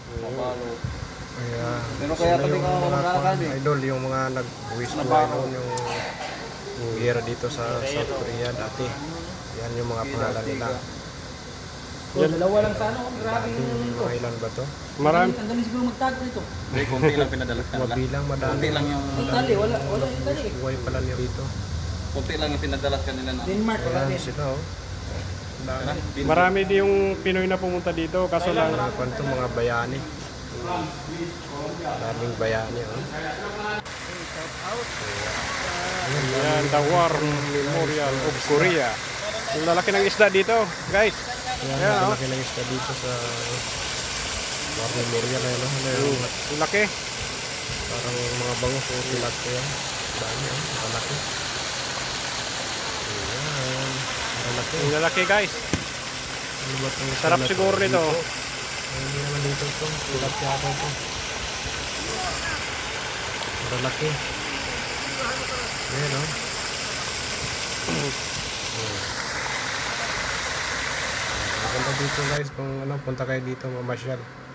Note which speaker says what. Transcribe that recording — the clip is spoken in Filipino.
Speaker 1: Mabalo.
Speaker 2: Kaya,
Speaker 1: Pero kaya
Speaker 2: sila
Speaker 1: pati
Speaker 2: yung
Speaker 1: ka
Speaker 2: mga
Speaker 1: maglalakad eh.
Speaker 2: idol, yung mga nag-uwis buhay noon, yung gera dito sa South Korea dati. Yan yung mga pangalan nila.
Speaker 3: Yan. Dalawa lang sa ano, grabe
Speaker 2: Dati,
Speaker 3: yung nito.
Speaker 2: mga ilan ba to?
Speaker 3: Marami. Ang galing siguro magtago nito.
Speaker 1: Hindi, konti lang pinadalas ka nila.
Speaker 2: Mabilang, madami.
Speaker 1: Konti lang yung...
Speaker 3: Italy, wala yung Italy.
Speaker 2: Buhay pala niya dito.
Speaker 1: Konti lang yung pinadalas kanila na.
Speaker 3: Denmark, wala
Speaker 2: Ayan
Speaker 3: din.
Speaker 2: sila oh. Dami.
Speaker 4: Marami din yung Pinoy na pumunta dito, kaso lang
Speaker 2: Mga kwento, mga bayani. Daming bayani oh.
Speaker 4: yan, the War Memorial of Korea. Yung lalaki ng isda dito, guys.
Speaker 2: Ayan,
Speaker 4: Ayan, oh.
Speaker 2: malaki lang isda dito sa War Memorial. Ano, ano,
Speaker 4: Yung laki.
Speaker 2: parang mga bangus o tilat ko yan. Dami oh, malaki. Ayan, malaki.
Speaker 4: Yung lalaki, guys.
Speaker 2: Ano ba itong
Speaker 4: Sarap
Speaker 2: tilat?
Speaker 4: siguro nito.
Speaker 2: Ay, hindi naman dito ito. Tilat yata ito. Malaki. Ayan oh. Maganda dito guys kung ano, punta kayo dito mamasyal.